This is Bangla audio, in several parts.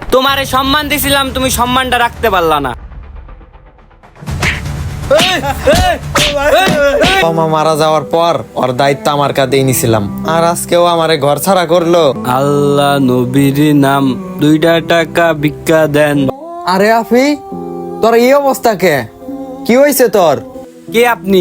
তোমারে সম্মান দিছিলাম, তুমি সম্মানটা রাখতে পারলা না। মামা মারা যাওয়ার পর ওর দায়িত্ব আমার কাঁধেই নিছিলাম, আর আজকেও আমারে ঘর ছাড়া করলো। আল্লাহ নবীর নাম, 2 টাকা ভিক্ষা দেন। আরে আফি, তোর এই অবস্থা কে? কি হয়েছে তোর? কে আপনি?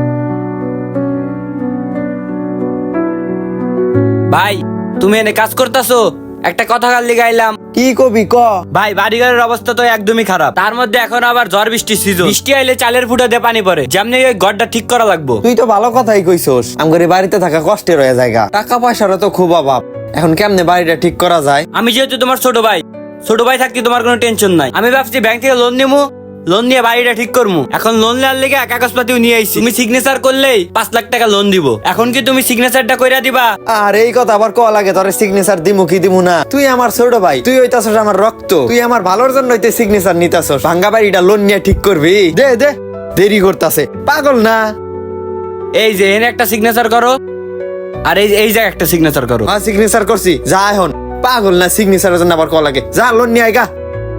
ভাই তুমি এনে কাজ করতেছো? একটা কথা কাল লিগাইলাম। কি কবি ক? ভাই বাড়িঘরের অবস্থা তো একদমই খারাপ, তার মধ্যে এখন আবার ঝড় বৃষ্টির সিজন। বৃষ্টি আইলে চালের ফুটা দিয়ে পানি পড়ে, যেমনি ওই ঘরটা ঠিক করা লাগবো। তুই তো ভালো কথাই কইছস, আমগরে বাড়িতে থাকা কষ্টের হয়ে জায়গা, টাকা পয়সারও তো খুব অভাব। এখন কেমনে বাড়িটা ঠিক করা যায়? আমি যেহেতু তোমার ছোট ভাই থাকতে তোমার কোনো টেনশন নাই। আমি ভাবছি ব্যাংক থেকে লোন নিবো, লোন নিয়ে বাড়িটা ঠিক করবো। এখন লোন নেওয়ার লেগে কাগজপাতিও নিয়ে আইছি। তুমি সিগনেচার করলেই 5 লাখ টাকা লোন দিব। এখন কি তুমি সিগনেচারটা কইরা দিবা? আর এই কথা আবার ক লাগে? তোর সিগনেচার দিমু কি দিমু না? তুই আমার ছোট ভাই, তুই হইতাছস আমার রক্ত, তুই আমার ভালোর জন্য হইতে সিগনেচার নিতাছস। ভাঙ্গা বাড়িটা লোন নিয়ে ঠিক করবি? দে দে, দেরি করতাছে, পাগল না? এই যে এনে একটা সিগনেচার করো, আর এই জায়গায় একটা সিগনেচার করো। হ্যাঁ সিগনেচার করছি, যা এখন। পাগল না, সিগনেচারের জন্য আবার ক লাগে? যা লোন নিয়ে আইগা।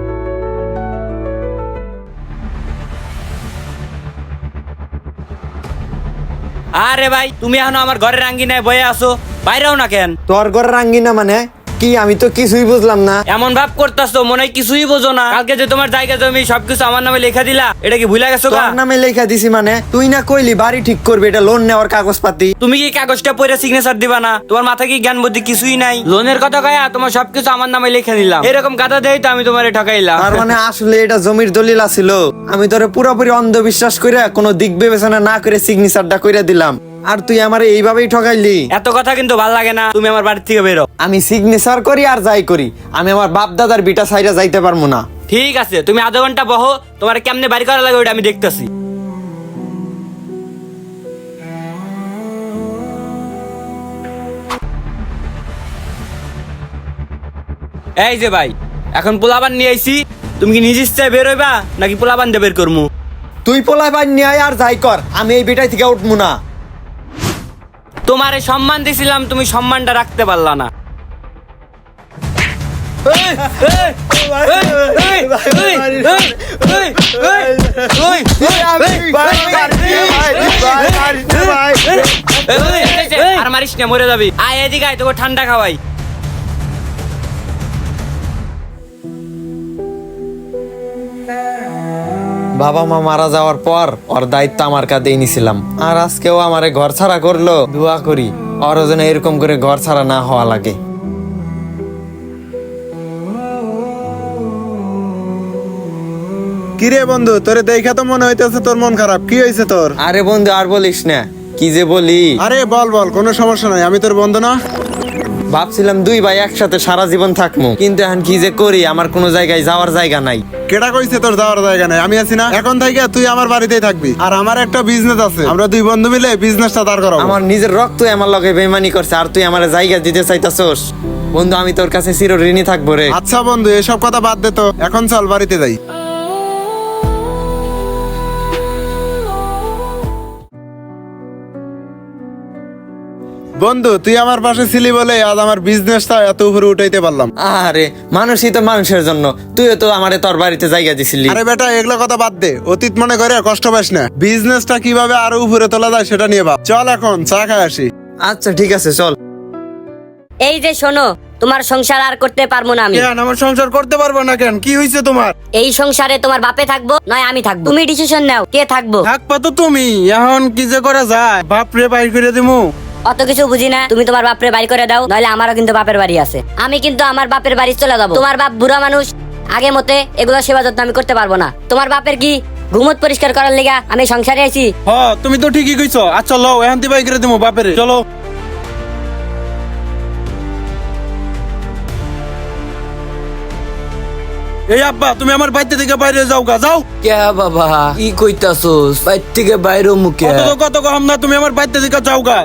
আরে ভাই তুমি এখন আমার ঘরের আঙ্গিনায় বয়ে আসো, বাইরেও না কেন? তোর ঘরের আঙ্গিনা মানে কি? আমি তো কিছুই বুঝলাম না। এমন ভাব করতেছো মনে হয় কিছুই বোঝো না। কালকে যে তোমার জায়গা জমি সবকিছু আমার নামে লেখা দিলা, এটা কি ভুলে গেছো? তোর নামে লেখা দিছি মানে? তুই না কইলি বাড়ি ঠিক করবি, এটা লোন নেওয়ার কাগজপাতি। তুমি কি কাগজটা পড়ে সিগনেচার দিবা না? তোমার মাথায় কি জ্ঞান বুদ্ধি কিছুই নাই? লোনের কথা কয়া তোমার সবকিছু আমার নামে লিখে নিলাম। এরকম গাদা দেই তো আমি তোমারে ঠকাইলাম। তার মানে আসলে এটা জমির দলিল আছিল। আমি তোরে পুরোপুরি অন্ধবিশ্বাস করে কোনো দিক বিবেচনা না করে সিগনেচারটা কইরা দিলাম, আর তুই আমারে এইভাবেই ঠকাইলি। এত কথা কিন্তু ভাল লাগে না, তুমি আমার বাড়ি থেকে বেরো। আমি সিগনেচার করি আর যাই করি, আমি আমার বাপ দাদার বিটা সাইডা যাইতে পারবো না। ঠিক আছে, তুমি আধা ঘন্টা বহো, তোমার কেমনে বাড়ি করা লাগে ওটা আমি দেখতেছি। এই যে ভাই, এখন পোলাবান নিয়ে আইছি, তুমি কি নিজ ইচ্ছায় বের হইবা নাকি পোলাবান দিয়ে বের করবো? তুই পোলাই বান নিয়ে আয় আর যাই কর, আমি এই বিটাই থেকে উঠবো না। তোমারে সম্মান দিছিলাম, তুমি সম্মানটা রাখতে পারলা না। আর মারিস না, মরে যাবি। আয় এদিকে আয়, তোকে ঠান্ডা খাওয়াই। বাবা মা মারা যাওয়ার পর ওর দায়িত্ব আমার কাঁধেই নিছিলাম, আর আজকেও আমারে ঘর ছাড়া করলো। দোয়া করি ওর যেন এরকম করে ঘর ছাড়া না হওয়া লাগে। কিরে বন্ধু, তোরে দেখা তো মনে হইতেছে তোর মন খারাপ। কি হয়েছে তোর? আরে বন্ধু আর বলিস না, কি যে বলি। আরে বল বল, কোনো সমস্যা নাই, আমি তোর বন্ধু না? ভাবছিলাম 2 ভাই একসাথে সারা জীবন থাকবো, কিন্তু এখন কি যে করি, আমার কোনো জায়গায় যাওয়ার জায়গা নাই। কেডা কইছে তোর যাওয়ার জায়গা নাই? আমি আছি না। এখন থেকে তুই আমার বাড়িতেই থাকবি, আর আমার একটা বিজনেস আছে, আমরা 2 বন্ধু মিলে বিজনেসটা দাঁড় করাবো। আমার নিজের রক্ত আমার লগে বেইমানি করছে, আর তুই আমার জায়গা দিতে চাইতাছস? বন্ধু আমি তোর কাছে চির ঋণী থাকবো রে। আচ্ছা বন্ধু, এসব কথা বাদ দে তো, এখন চল বাড়িতে যাই। বন্ধু তুই আমার পাশে ছিলি বলে আজ আমার বিজনেসটা এত উপরে উঠাইতে পারলাম। আরে মানুষই তো মানুষের জন্য, তুইও তো আমারে তোর বাড়িতে জায়গা দিছিলি। আরে বেটা, এগুলো কথা বাদ দে, অতীত মনে করে কষ্ট পাস না। বিজনেসটা কিভাবে আরো উপরে তোলা যায় সেটা নিয়ে ভাব। চল এখন চা খাই আসি। আচ্ছা ঠিক আছে চল। এই যে শোনো, তোমার সংসার আর করতে পারবো না আমি। কেন আমার সংসার করতে পারবো না কেন? কি হয়েছে তোমার? এই সংসারে তোমার বাপে থাকবো নয় আমি থাকবো, তুমি ডিসিশন নাও কে থাকবো। থাকবা তো তুমি, এখন কি যে করা যায়? বাপ রে বাইর করে দিমু। অত কিছু বুঝি না, তুমি তোমার বাপরে বাড়ি করে দাও, নইলে আমারও কিন্তু বাপের বাড়ি আছে। আমি কিন্তু আমার বাপের বাড়ি চলে যাবো। তোমার বাপ বুড়া মানুষ, আগে মতে এগুলো সেবা যত্ন আমি করতে পারবো না। তোমার বাপের কি ঘুমত পরিষ্কার করার লিগা আমি সংসারে আছি? হ্যাঁ তুমি তো ঠিকই কইছো। আচ্ছা লও, এখন তুই বাইর করে দিমু বাপেরে, চলো। এই আব্বা, তুমি আমার বাড়িতে থেকে বাইরে যাও গা, যাও। কে বাবা, কি কইতাছস? বাইর থেকে বাইরে মুখে কত কম না, তুমি আমার বাড়িতে থেকে যাও গা।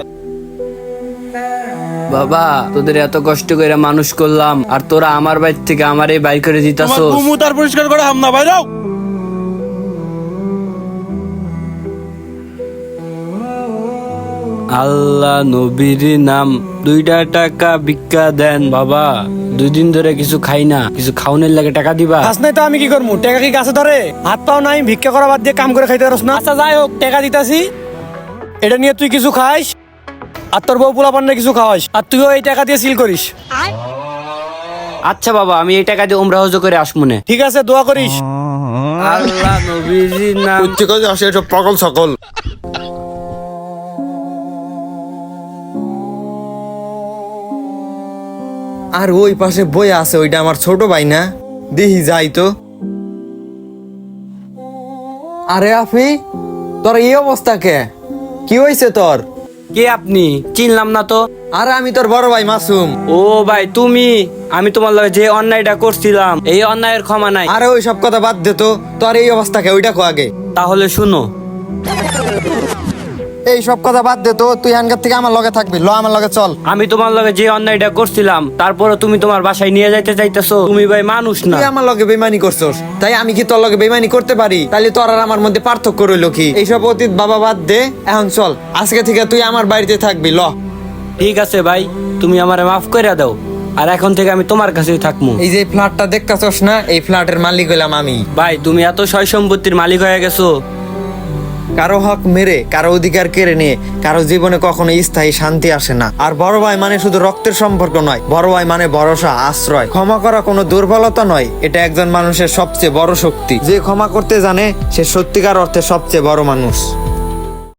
বাবা, তোদের এত কষ্ট করে মানুষ করলাম, আর তোরা আমার বাড়ি থেকে আমারই বাইর করে তোমার দিতাছস। ঘুমু তার পরিষ্কার করে হামনা বাইরাও। আল্লাহ নবীর নাম 2টা টাকা ভিক্ষা দেন বাবা, 2 দিন ধরে কিছু খাই না, কিছু খাওনের লাগে টাকা দিবা? কাজ নাই তো আমি কি করবো? টাকা কি গাছে ধরে? হাত পাও নাই, ভিক্ষা করা বাদ দিয়ে কাম করে খাইতে পারছ না? আচ্ছা যাই হোক, টাকা দিতাছি, এটা নিয়ে তুই কিছু খাইস আর তোর বউ পোলা পান্নে কিছু খাওয়াইস, আর তুইও এই টাকা দিয়ে সিল করিস। আচ্ছা বাবা, আমি এই টাকা দিয়ে উমরা হজ করে আসমুনে। ঠিক আছে, দোয়া করিস। আল্লাহ নবীর নাম। উচ্চ কাজে আসে এসব পাগল সকল। আর ওই পাশে বই আছে, ওইটা আমার ছোট ভাই না? দেখি যাই তো। আরে আফি, তোর এই অবস্থা কে? কি হয়েছে তোর? কে আপনি? চিনলাম না তো। আরে আমি তোর বড় ভাই মাসুম। ও ভাই তুমি, আমি তোমার লগে যে অন্যায়টা করছিলাম, এই অন্যায়ের ক্ষমা নাই। আরে ওই সব কথা বাদ দে তো, তোর এই অবস্থা কে ওইটা কো আগে। তাহলে শুনো, এই সব কথা বাদ দে তো, তুই আনগার থেকে আমার লগে থাকবি, ল আমার লগে চল। আমি তোমার লগে যে অন্যায়টা করছিলাম, তারপরে তুমি তোমার বাসায় নিয়ে যাইতে চাইতেছো। তুমি ভাই মানুষ না। তুই আমার লগে বেমানি করছস, তাই আমি কি তোর লগে বেমানি করতে পারি? তাহলে তোর আর আমার মধ্যে পার্থক্য রইল কি? এইসব অতীত বাবা বাদ দে, এখন চল, আজকে থেকে তুই আমার বাড়িতে থাকবি, ল। ঠিক আছে ভাই, তুমি আমারে মাফ করে দাও, আর এখন থেকে আমি তোমার কাছেই থাকবো। এই যে ফ্ল্যাটটা দেখতাছস না, এই ফ্ল্যাটের মালিক হইলাম আমি। ভাই তুমি এত সয় সম্পত্তির মালিক হয়ে গেছো। কারো হক মেরে, কারো অধিকার কেড়ে নিয়ে কারো জীবনে কখনো স্থায়ী শান্তি আসে না। আর বড় ভাই মানে শুধু রক্তের সম্পর্ক নয়, বড় ভাই মানে ভরসা, আশ্রয়। ক্ষমা করা কোনো দুর্বলতা নয়, এটা একজন মানুষের সবচেয়ে বড় শক্তি। যে ক্ষমা করতে জানে সে সত্যিকার অর্থে সবচেয়ে বড় মানুষ।